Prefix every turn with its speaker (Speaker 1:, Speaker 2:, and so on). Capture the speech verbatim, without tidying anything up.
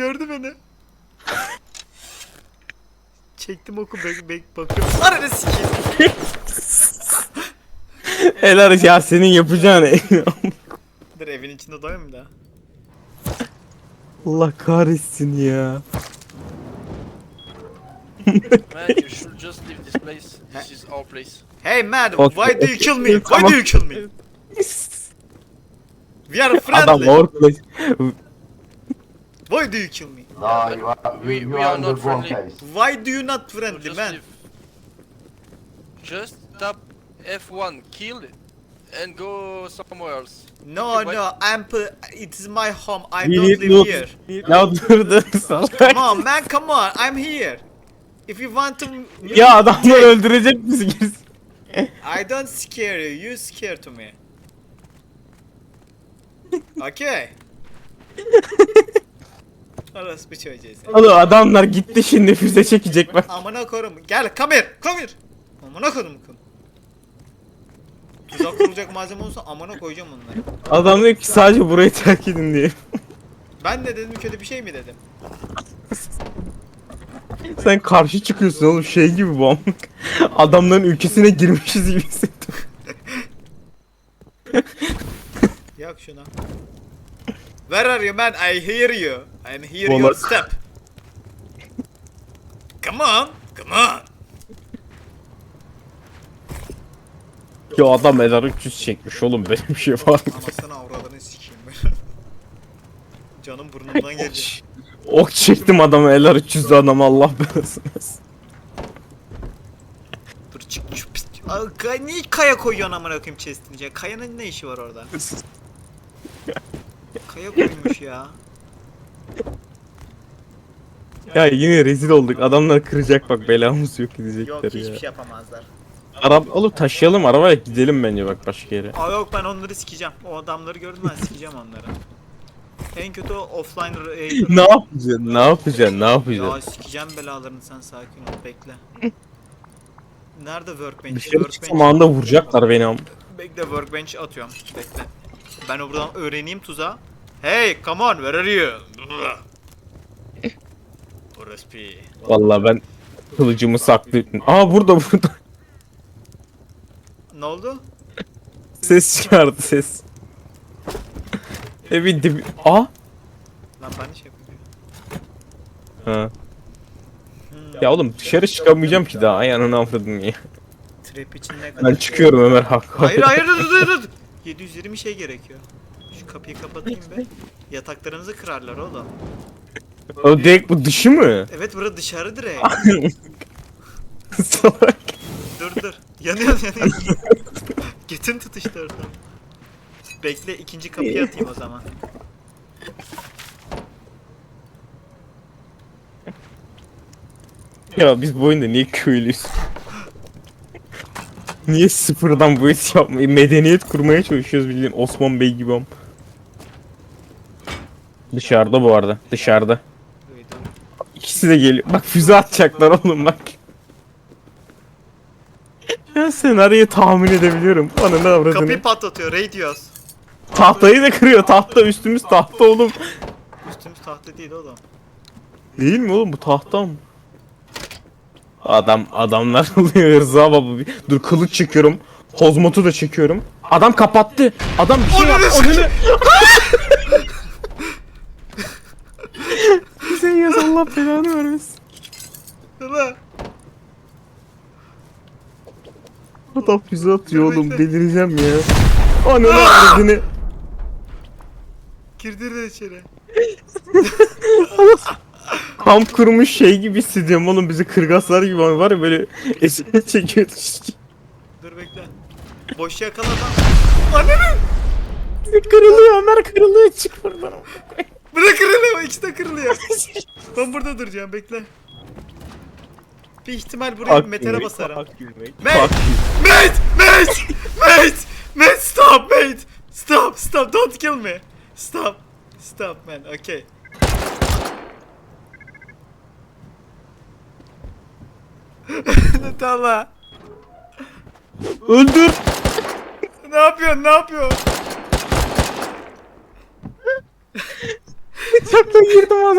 Speaker 1: Gördü beni. Çektim oku bek bek bakıyorum. Ananı sikeyim.
Speaker 2: Helal ya senin yapacağın.
Speaker 1: Dur evin içinde doyayım mı daha?
Speaker 2: Allah kahretsin ya.
Speaker 3: Man, you should just leave this place. This is our place.
Speaker 1: Hey man,
Speaker 2: Okay,
Speaker 1: why do you
Speaker 2: okay.
Speaker 1: kill me? Why
Speaker 2: Tamam.
Speaker 1: do you kill me? We are
Speaker 2: Adam
Speaker 1: friendly.
Speaker 2: workplace.
Speaker 1: Why do you kill me?
Speaker 4: No, you are, you,
Speaker 3: We-
Speaker 4: you
Speaker 3: we
Speaker 4: are
Speaker 3: are
Speaker 4: in
Speaker 3: not
Speaker 4: the wrong
Speaker 3: friendly.
Speaker 4: place.
Speaker 1: Why do you not
Speaker 3: So
Speaker 1: friendly
Speaker 3: just
Speaker 1: man?
Speaker 3: leave. Just tap F one, kill, and go somewhere else.
Speaker 1: No
Speaker 3: Okay,
Speaker 1: no, I'm p- it is my home. I
Speaker 2: We
Speaker 1: don't
Speaker 2: need
Speaker 1: live
Speaker 2: loot.
Speaker 1: here.
Speaker 2: Ya dur dur salak.
Speaker 1: Come on man, come on. I'm here. If you want to
Speaker 2: Ya adamlar öldürecek bizi.
Speaker 1: I don't scare you. You scare to me. Okay. Orası bir çocuğu sen.
Speaker 2: Oğlum adamlar gitti şimdi füze çekecek bak.
Speaker 1: Amına korum. Gel come here. Come here. Amına korum kum. Tuzak kurulacak malzeme olsa amına koyacağım onları.
Speaker 2: Adam diyor ki sadece burayı terk edin diye.
Speaker 1: Ben de dedim kötü bir şey mi dedim?
Speaker 2: Sen karşı çıkıyorsun oğlum şey gibi bu amk. Adamların ülkesine girmişiz gibi hissettim.
Speaker 1: Yak şuna. Where are you man? I hear you. I hear your
Speaker 2: Vallahi-
Speaker 1: step. Come on. Come on.
Speaker 2: Ya adam Eder üç yüz çekmiş oğlum böyle bir şey var mı?
Speaker 1: Anasını avradını sikeyim ben. Canım burnumdan geldi.
Speaker 2: Ok çektim adamı Eder üç yüzlü adamı Allah belasını versin.
Speaker 1: Dur çık şu pis. Aa, kay- niye kaya koyuyorsun amına koyayım chest'in içine? Kayanın ne işi var orada? Kaya koymuş ya.
Speaker 2: Ya yine rezil olduk adamlar kıracak bak belamız yok
Speaker 1: Yok
Speaker 2: edecekler
Speaker 1: hiçbir
Speaker 2: ya.
Speaker 1: şey yapamazlar.
Speaker 2: Araba oğlum taşıyalım arabayla gidelim bence bak başka yere.
Speaker 1: Aa yok ben onları sikeceğim. O adamları gördüm ben sikeceğim onları. En kötü o offline raid.
Speaker 2: Ne yapacaksın? Ne yapacaksın? Ne yapacaksın?
Speaker 1: Ya sikeceğim belalarını sen sakin ol bekle. Nerede workbench?
Speaker 2: Dışarı çıksam anında vuracaklar beni am.
Speaker 1: Bekle workbench atıyorum. Bekle. Ben o buradan öğreneyim tuzağı. Hey come on where are you? Orospu.
Speaker 2: Vallahi ben kılıcımı saklıyorum. Aa burada burada.
Speaker 1: Ne oldu?
Speaker 2: Ses çıkardı ses. Evin dibi. Aa.
Speaker 1: Lan ben şey yapıyorum.
Speaker 2: Ha. Ya oğlum dışarı çıkamayacağım ki daha. Ay ananı avradım ya.
Speaker 1: Trap için ne kadar?
Speaker 2: Ben çıkıyorum Ömer hak.
Speaker 1: Hayır hayır dur dur dur. yedi yüz yirmi şey gerekiyor. Şu kapıyı kapatayım be. Yataklarınızı kırarlar oğlum.
Speaker 2: O direkt bu dışı mı?
Speaker 1: Evet bura dışarı direkt.
Speaker 2: Salak.
Speaker 1: Dur dur. Yanıyor yanıyor. Götün tutuştu oradan. Bekle ikinci kapıyı atayım o zaman.
Speaker 2: Ya biz bu oyunda niye köylüyüz? Niye sıfırdan bu işi yapmayı, medeniyet kurmaya çalışıyoruz bildiğin Osman Bey gibi am. Dışarıda bu arada, dışarıda.
Speaker 1: Duydum.
Speaker 2: İkisi de geliyor. Bak füze atacaklar oğlum bak. Ya senaryoyu tahmin edebiliyorum. Bana ne avradını.
Speaker 1: Kapıyı patlatıyor. Radios.
Speaker 2: Tahtayı da kırıyor. Tahta üstümüz tahta oğlum.
Speaker 1: Üstümüz tahta değil oğlum.
Speaker 2: Değil mi oğlum bu tahta mı? Adam adamlar oluyor Rıza baba. Bir- Dur kılıç çekiyorum. Hozmotu da çekiyorum. Adam kapattı. Adam bir şey yaptı. Önünü... Sen yaz Allah belanı vermesin.
Speaker 1: Hala.
Speaker 2: Adam füze atıyor
Speaker 1: Dur
Speaker 2: oğlum
Speaker 1: bekle.
Speaker 2: delireceğim ya. Ananı ardını.
Speaker 1: Girdiler içeri.
Speaker 2: Kamp kurmuş şey gibi hissediyorum oğlum bizi kırgaslar gibi var ya böyle esir çekiyor.
Speaker 1: Dur bekle. Boş yakala lan. Ananı.
Speaker 2: Kırılıyor Ömer kırılıyor çık buradan.
Speaker 1: Bırak kırılıyor. İkisi de kırılıyor. Ben burada duracağım bekle. Bir ihtimal buraya
Speaker 2: Fuck
Speaker 1: metere
Speaker 2: you,
Speaker 1: basarım.
Speaker 2: fuck you, mate.
Speaker 1: Mate!
Speaker 2: Fuck you.
Speaker 1: Mate! Mate! Mate! Mate stop mate! Stop stop don't kill me! Stop! Stop man okay. Tamam.
Speaker 2: Öldür.
Speaker 1: Ne yapıyorsun ne yapıyorsun?
Speaker 2: Bıçakla girdim ona.